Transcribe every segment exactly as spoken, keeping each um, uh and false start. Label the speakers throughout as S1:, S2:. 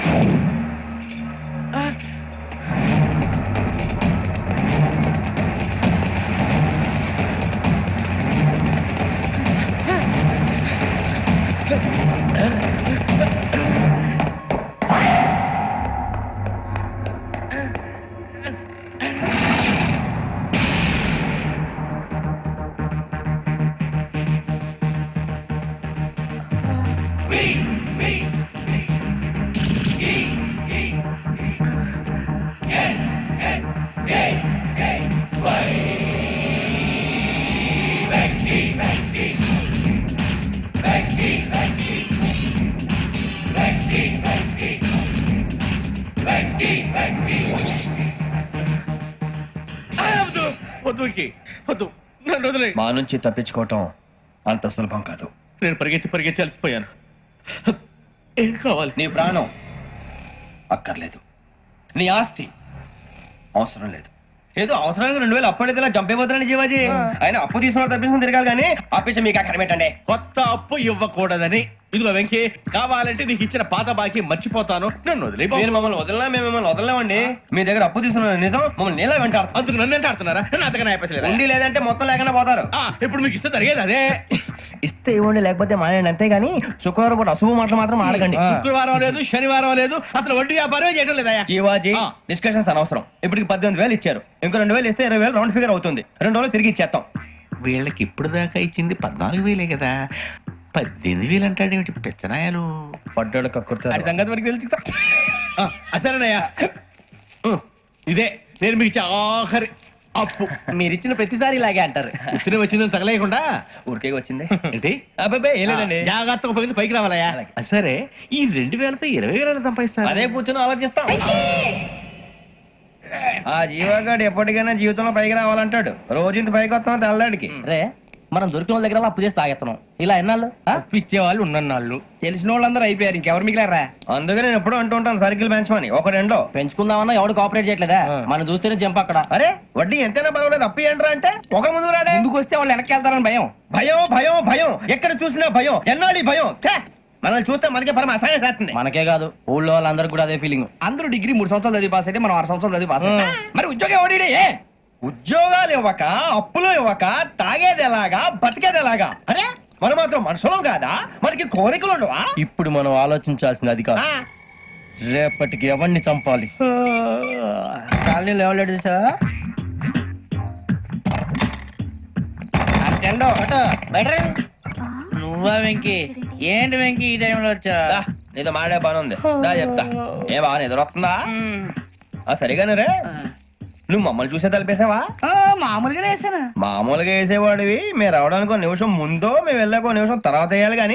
S1: మా నుంచి తప్పించుకోవటం అంత సులభం కాదు.
S2: నేను పరిగెత్తి పరిగెత్తి అలసిపోయాను. ఏం కావాలి?
S1: నీ ప్రాణం అక్కర్లేదు, నీ ఆస్తి అవసరం లేదు. ఏదో అవసరానికి రెండు వేలు అప్పు అడిగితే చంపేపోతున్నాను జీవాజీ. ఆయన అప్పు తీసుకున్న తప్పించుకుని తిరగాలి కానీ ఆపేసి మీకు అక్కడ పెట్టండి.
S2: కొత్త అప్పు ఇవ్వకూడదని. ఇదిగో వెంకీ, కావాలంటే నీకు ఇచ్చిన పాత బాకీ మర్చిపోతాను, నన్ను వదిలే.
S1: మీరు మమ్మల్ని వదలనా? మేము మిమ్మల్ని వదలలేమండి. మీ దగ్గర అప్పు తీసుకున్న నిజం మమ్మల్ని నీలా వెంటాడు.
S2: అందుకు నన్ను ఎంత ఆడుతున్నారా? నన్ను అంతగా అయిపోలేదు.
S1: ఉండి లేదంటే మొత్తం లేకుండా పోతారు.
S2: ఇప్పుడు మీకు ఇస్తే జరిగేది అదే.
S1: ఇస్తే ఇవ్వండి, లేకపోతే మానేయండి, అంతేగాని శుక్రవారం పూట అశుభ మాటలు మాత్రం ఆడకండి.
S2: శుక్రవారం లేదు, శనివారం లేదు, అసలు వడ్డీ వ్యాపారం చేయడం లేదా?
S1: జీవాజీ, డిస్కషన్స్ అనవసరం. ఇప్పటికి పద్దెనిమిది వేలు ఇచ్చారు, ఇంకో రెండు వేలు ఇస్తే ఇరవై వేలు రౌండ్ ఫిగర్ అవుతుంది. రెండు రోజులు తిరిగి ఇచ్చేస్తాం.
S2: వీళ్ళకి ఇప్పుడు దాకా ఇచ్చింది పద్నాలుగు వేలే కదా, పద్దెనిమిది వేలు అంటాడేమిటి పెచ్చనాయాలు?
S1: పడ్డాడు కక్కుర్తాడు సంగతి మనకి తెలుసు.
S2: అసలేనయ్యా, ఇదే నేను మీకు ఇచ్చే ఆఖరి అప్పు.
S1: మీరు ఇచ్చిన ప్రతిసారి ఇలాగే అంటారు.
S2: ఇతనే వచ్చిందని తగలేయకుండా
S1: ఊరికే వచ్చింది
S2: ఏంటి?
S1: అబ్బాయి ఏం లేదండి,
S2: జాగ్రత్తగా ఉపయోగించి పైకి రావాలయ్యా. సరే, ఈ రెండు వేలతో ఇరవై వేల సంపాదిస్తారు.
S1: అదే కూర్చొని ఆలోచిస్తాం. ఆ జీవగాడు ఎప్పటికైనా జీవితంలో పైకి రావాలంటాడు. రోజు ఇంత పైకి వస్తాం తెల్లడికి.
S3: రే, మనం దొరికిన వాళ్ళ దగ్గర అప్పు చేసి తాగెత్తనం. ఇలా ఎన్నాళ్ళు
S1: ఇచ్చే వాళ్ళు ఉన్నన్నాళ్ళు తెలిసిన వాళ్ళందరూ అయిపోయారు, ఇంకెవరు మిగిలారా? అందుకే నేను ఎప్పుడు అంటూ ఉంటాను సర్కిల్ పెంచమని. ఒక రెండో
S3: పెంచుకుందామన్నా ఎవడు కోఆపరేట్ చేయట్లేదా? మనం చూస్తేనే జంప్ అక్కడ.
S1: అరే వడ్డీ ఎంతైనా పర్వాలేదు, అప్పు ఏంట్రా అంటే ఒక ముందు రాడే.
S3: ముందుకు వస్తే వాళ్ళు వెనక్కి వెళ్తారని భయం.
S1: భయం భయం భయం, ఎక్కడ చూసినా భయం. ఎన్నాళ్ళు భయం? మనల్ని చూస్తే మనకే పరమ అసహాయం చేస్తుంది.
S3: మనకే కాదు, ఊళ్ళో వాళ్ళందరికీ కూడా అదే ఫీలింగ్.
S1: అందరూ డిగ్రీ మూడు సంవత్సరాలు చదివి పాస్ అయితే మనం ఆరు సంవత్సరాలు చదివి పాస్. మరి ఉద్యోగం ఎవడి? ఉద్యోగాలు ఇవ్వక, అప్పులు ఇవ్వక, తాగేది ఎలాగా, బతికేది ఎలాగా? అరే మనం మాత్రం మనుషులం కాదా? మనకి కోరికలు ఉండవా?
S3: ఇప్పుడు మనం ఆలోచించాల్సింది అది కాదు, రేపటికి ఎవరిని చంపాలి.
S1: కాలనీలో ఎవరు సార్?
S3: నువ్వా వెంకీ? ఏంటి వెంకీ ఈ టైంలో వచ్చా?
S1: నీతో మాడే పని ఉంది, దా చెప్తా. ఏ బాగా నిద్రొస్తుందా? సరిగానే రే, నువ్వు మమ్మల్ని చూసే తలిపేసావా?
S3: మామూలుగా వేసానా?
S1: మామూలుగా వేసేవాడివి. మేము రావడానికి ఒక నిమిషం ముందో, మేము వెళ్ళాక ఒక నిమిషం తర్వాత వేయాలి కానీ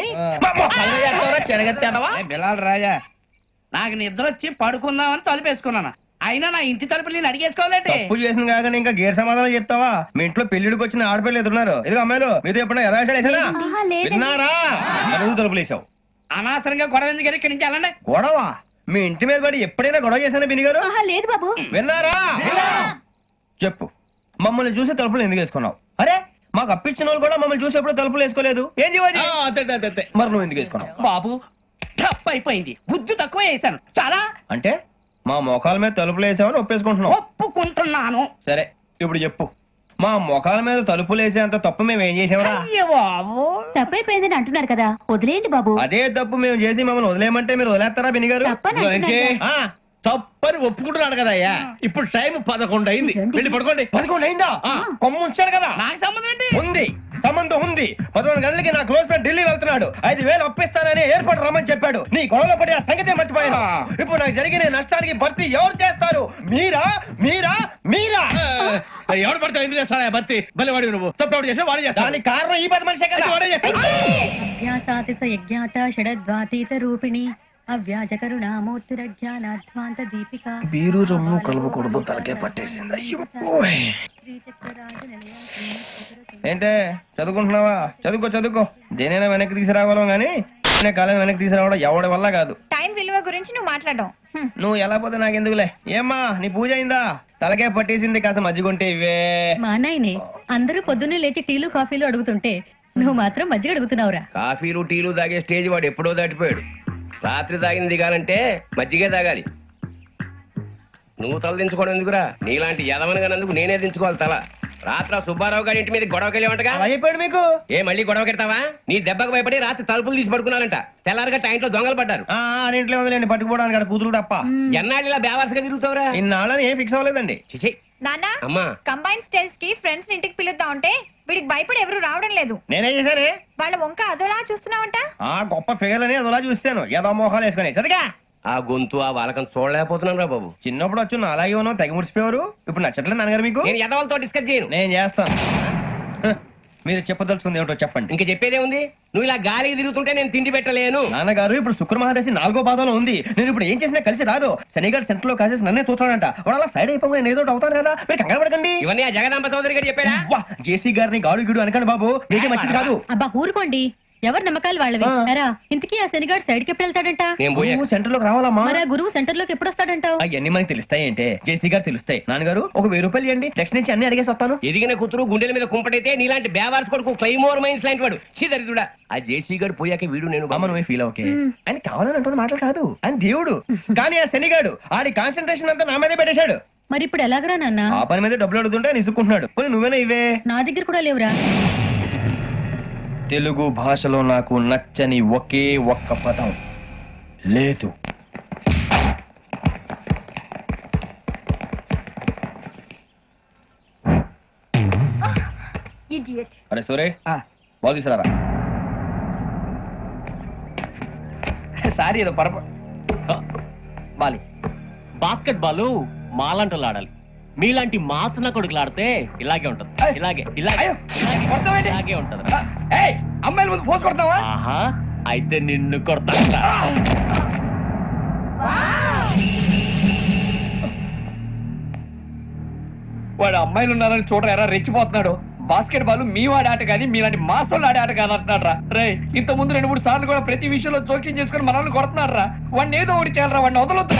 S3: రాజా. నాకు నిద్ర వచ్చి పడుకుందామని తలుపేసుకున్నాను, అయినా నా ఇంటి తలుపులు నేను అడిగేసుకోవాలంటే.
S1: తప్పు చేసిన కాక ఇంకా గేర్ సమాధానం చెప్తావా? మీ ఇంట్లో పెళ్లిడికి వచ్చిన ఆడపిల్లలు ఎదురున్నారు. ఇదిగో అమ్మాయిలు, మీతో ఎప్పుడైనా యథాశాలు వేసానా? విన్నారా? తలుపులు వేసావు.
S3: అనవసరంగా గొడవ ఎందుకు? ఇక్కడి నుంచి వెళ్ళండి.
S1: గొడవ? మీ ఇంటి మీద పడి ఎప్పుడైనా గొడవ చేశానా బిని గారు?
S4: లేదు బాబు.
S1: విన్నారా? చెప్పు, మమ్మల్ని చూసి తలుపులు ఎందుకు వేసుకున్నావు? అరే మాకు అప్పించిన వాళ్ళు కూడా మమ్మల్ని చూసి ఎప్పుడు తలుపులు వేసుకోలేదు. ఏం చేయాలి? మరి నువ్వు ఎందుకు వేసుకున్నావు?
S3: బాబు తప్పు అయిపోయింది, బుద్ధి తక్కువ వేసాను చాలా.
S1: అంటే మా మోకాల మీద తలుపులు వేసామని ఒప్పేసుకుంటున్నావు?
S3: ఒప్పుకుంటున్నాను.
S1: సరే ఇప్పుడు చెప్పు, మా మొఖాల మీద తలుపులు వేసేంత తప్పు మేము ఏం చేసామరా?
S4: తప్పైపోయిందని అంటున్నారు కదా, వదిలేయండి బాబు.
S1: అదే తప్పు మేము చేసి మమ్మల్ని వదిలేయమంటే మీరు వదిలేస్తారా బిని గారు?
S2: తప్పని ఒప్పుకుంటున్నాడు కదా అయ్యా. ఇప్పుడు టైం పదకొండు అయింది, వెళ్ళి పడుకోండి.
S1: పదకొండు అయిందా? కొమ్ము ఉంచాడు కదా.
S3: నాకు సంబంధం ఏంటి?
S1: ఉంది, సంబంధం ఉంది. పదకొండు గంటలకి నా క్లోజ్ ఫ్రెండ్ ఢిల్లీ వెళ్తున్నాడు. ఐదు వేలు అప్పిస్తానని ఎయిర్పోర్ట్ రమ్మని చెప్పాడు. నీ గొడవలో పడి ఆ సంగతే మర్చిపోయాను. ఇప్పుడు నాకు జరిగిన నష్టానికి భర్తీ ఎవరు చేస్తారు? మీరా మీరా మీరా?
S2: ఎవడు పడితే ఎందుకు చేస్తాడా భర్తీ? మళ్ళీ వాడి నువ్వు తప్పు ఎవడు చేసా వాడే చేస్తా.
S1: దానికి కారణం ఈ పది మనిషే కదా. వాడే చేస్తా.
S4: షడద్వాతీత రూపిణి అవ్యాజ కరుణామూర్తిరజ్ఞానాధ్వాంత దీపిక.
S1: బీరు రమ్ము కలవకూడదు, తలకే పట్టేసింది. ఏంటే చదువుకుంటున్నావా? చదువుకో చదువుకో, దేనైనా వెనక్కి తీసుకురావాలం గానీ కాలం వెనక్కి తీసుకురావడం ఎవడి వల్ల కాదు.
S5: టైం విలువ గురించి నువ్వు మాట్లాడడం
S1: నువ్వు ఎలా పోతే నాకెందుకులే. ఏమ్మా నీ పూజ అయిందా? తలకే పట్టేసింది, కాస్త మజ్జిగుంటే ఇవే.
S4: మా నాయనే అందరూ పొద్దున్నే లేచి టీలు కాఫీలు అడుగుతుంటే నువ్వు మాత్రం మజ్జిగ అడుగుతున్నావురా?
S1: కాఫీలు టీలు తాగే స్టేజ్ వాడు ఎప్పుడో దాటిపోయాడు.
S6: రాత్రి తాగింది దిగాలంటే మజ్జిగే తాగాలి. నువ్వు తల దించుకోవడం ఎందుకురా? నీలాంటి యదవనగానందుకు నేనే దించుకోవాలి తల. రాత్రి ఆ సుబ్బారావు గారి ఇంటి మీద గొడవకి వెళ్ళేవంటగా.
S1: అలా చెప్పాడు మీకు?
S6: ఏ మళ్ళీ గొడవ కెడతావా? నీ దెబ్బకు భయపడి రాత్రి తలుపులు తీసి పడుకున్నారంట. తెల్లారగా టైంట్లో దొంగలు పడ్డారు.
S1: ఆ ఆడింట్లో ఉందిలేండి పట్టుకుపోవడానికి అక్కడ కూతురు తప్ప.
S6: ఎన్నాళ్ళు ఇలా బేవర్సగా తిరుగుతావురా?
S1: ఇన్నాళ్ళని ఏం ఫిక్స్ అవ్వలేదండి.
S6: చిచి
S5: నాన్న
S6: అమ్మా.
S5: కంబైన్ స్టైల్స్ కి ఫ్రెండ్స్ ఇంటికి పిలుద్దాం అంటే వీడికి భయపడి ఎవరు రావడం లేదు.
S1: నేనేం చేశానే?
S5: వాళ్ళ వంక అదోలా చూస్తున్నావంట.
S1: ఆ గొప్ప ఫిగర్ అని అదోలా చూస్తాను. ఏదో మోహాలు వేసుకుని చదిగా
S6: ఆ గొంతు ఆ వాలకం చూడలేకపోతున్నాను రా బాబు.
S1: చిన్నప్పుడు వచ్చి నా అలాగే ఉన్నావు తెగ ముడిచిపోయారు. ఇప్పుడు నచ్చట్లేదు నాన్నగారు మీకు?
S6: నేను యదవలతో డిస్కస్ చేయను.
S1: నేను చేస్తాను. హ, మీరు చెప్పదలుచుకుంది ఏమిటో చెప్పండి.
S6: ఇంకా చెప్పేదే ఉంది. నువ్వు ఇలా గాలికి తిరుగుతుంటే నేను తిండి పెట్టలేను.
S1: నాన్నగారు ఇప్పుడు శుక్ర మహాదశి నాలుగో పాదంలో ఉంది. నేను ఇప్పుడు ఏం చేసినా కలిసి రాదు. శనిగారు సెంటర్ లో కాసేసి నన్నే చూస్తాడంట. వాడు అలా సైడ్ అయిపోయి నేను ఏదో ఒకటి అవుతాను కదా. మీరు కంగారు పడకండి.
S6: ఇవన్నీ ఆ జగదాంబ చౌదరి గారు చెప్పాడా?
S1: వా, జేసీ గారిని గాడు గిడు అనకండి బాబు. మీకే మంచిది కాదు.
S7: అబ్బా ఊరుకోండి, ఎవరి నమ్మకాలు వాళ్ళవి.
S1: ఆ.
S7: ఎరా ఇంతకీ ఆ శనిగాడు సైడ్ కి ఎప్పుడు వెళ్తాడంట?
S6: నేను పోయా.
S1: నువ్వు సెంటర్ లోకి రావాలమ్మా.
S7: మరి ఆ గురువు సెంటర్ లోకి ఎప్పుడు వస్తాడంటావు?
S1: అవన్నీ మనకి తెలుస్తాయి అంటే జేసీ గారు తెలుస్తాయి. నాన్నగారు ఒక వెయ్యి రూపాయలు ఇవ్వండి. నెక్స్ట్ నుంచి అన్ని అడిగేసి వస్తాను.
S6: ఎదిగిన కూతురు గుండెల మీద కుంపటైతే నీలాంటి బేవార్స్ కొడుకు క్లైమోర్ మైన్స్ లాంటి వాడు చీదరిదుడా. ఆ జేసీ గారు పోయాక వీడు నేను
S1: అమ్మ నువ్వే ఫీల్ ఓకే. ఆయన కావాలని అంటున్న మాటలు కాదు. ఆయన దేవుడు. కానీ ఆ శనిగాడు ఆడి కాన్సన్ట్రేషన్ అంతా నా మీదే పెట్టేశాడు.
S7: మరి ఇప్పుడు ఎలాగరా నాన్న?
S1: ఆ పని మీద డబ్బులు అడుగుతుంటే ఆయన ఇసుక్కుంటున్నాడు. పోనీ నువ్వేనా ఇవే?
S7: నా దగ్గర కూడా లేవురా.
S1: తెలుగు భాషలో నాకు నచ్చని ఒకే ఒక్క పదం లేదు. అరే సూరే బాల్ తీసుకురారా.
S3: సారీ ఏదో పరప బాలి.
S8: బాస్కెట్ బాల్ మాలాంటి ఆడాలి. మీలాంటి మాసన కొడుకులు ఆడితే ఇలాగే ఉంటది. ఇలాగే ఇలాగే
S3: అయ్యో,
S8: ఇలాగే,
S3: కొడతావేంటి?
S8: ఇలాగే ఉంటది.
S3: ఏయ్ అమ్మాయిల ముందు పోసు కొడతావా?
S8: ఆహా, అయితే నిన్ను కొడతా.
S3: వాడు అమ్మాయిలు ఉన్నారని చూడరా ఎరా రెచ్చిపోతున్నాడు. బాస్కెట్ బాల్ మీ వాడి ఆట కానీ మీలాంటి మాసోళ్ళు ఆడే ఆట కాదు అంటున్నాడు రా. రే ఇంత ముందు రెండు మూడు సార్లు కూడా ప్రతి విషయంలో జోక్యం చేసుకుని మనల్ని కొడుతున్నాడు రా. వాడిని ఏదో ఒకటి చేయాలరా, వాడిని వదలొద్దురా.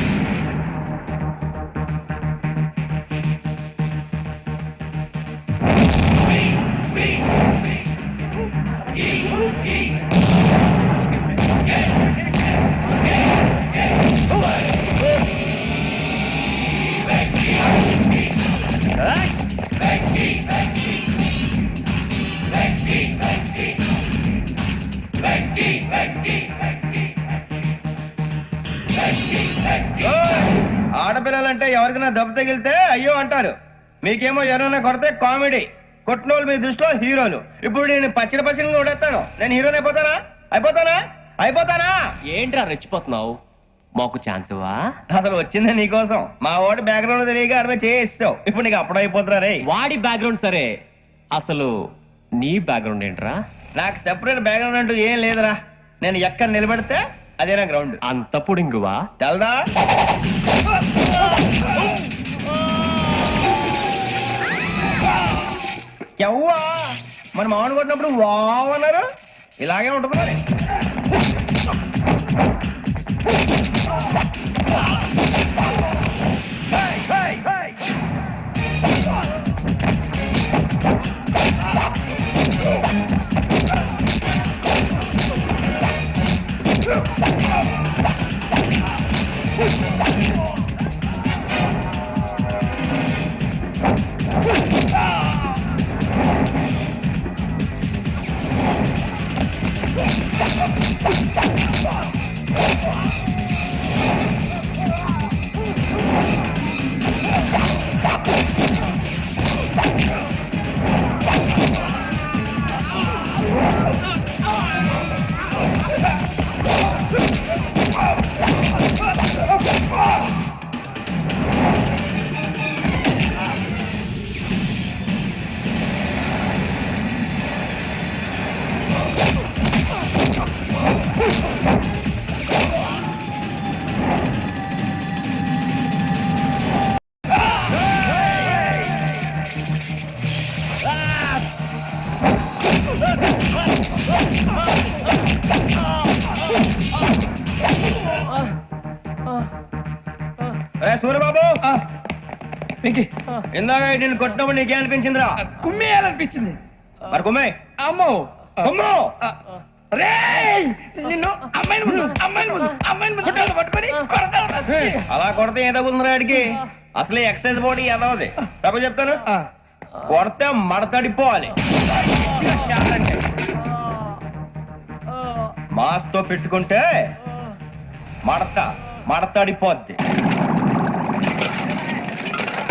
S1: ఆడపిల్లలంటే ఎవరికైనా దెబ్బ తగిలితే అయ్యో అంటారు. మీకేమో ఎవరైనా కొడితే కామెడీ. కొట్టినోళ్ళు మీ దృష్టిలో హీరోలు. ఇప్పుడు నేను పచ్చడి పచ్చడి కొడేస్తాను. నేను హీరోని అయిపోతానా? అయిపోతానా? అయిపోతానా?
S8: ఏంట్రా రెచ్చిపోతున్నావు? మాకు ఛాన్స్ ఇవ్వా?
S1: అసలు వచ్చిందే నీకోసం. మా వాడి బ్యాక్గ్రౌండ్ తెలియక అడమే చేయిస్తావు. ఇప్పుడు నీకు అప్పుడు అయిపోతున్నా రే.
S8: వాడి బ్యాక్గ్రౌండ్ సరే, అసలు నీ బ్యాక్గ్రౌండ్ ఏంట్రా?
S1: నాకు సెపరేట్ బ్యాక్గ్రౌండ్ అంటూ ఏం లేదురా. నేను ఎక్కడ నిలబడితే అదే నా గ్రౌండ్.
S8: అంత పుడింగువా?
S1: తెల్దా? ఎవ్వా మన మామిడి కొట్టినప్పుడు వావ్ అన్నారు. ఇలాగే ఉంటుంది మరి. సూర్యబాబు ఇందాక నేను కొట్టినప్పుడు నీకే అనిపించిందిరా?
S3: కుమ్మేయాలనిపించింది.
S1: మరి కుమ్మే
S3: అమ్మో
S1: కుమ్ము.
S3: రేయ్ నిన్ను అమ్మాయిల ముందు అమ్మాయిల ముందు అమ్మాయిల ముందు కాళ్ళు పట్టుకొని కొడతావురా.
S1: అలా కొడితే ఏదో ఉందిరా ఆడికి అసలే ఎక్సైజ్ బాడీ ఏదవది తప్ప చెప్తాను
S3: ఆ,
S1: కొడితే మడతడిపోవాలి మాస్ తో పెట్టుకుంటే మడత మడతడిపోద్ది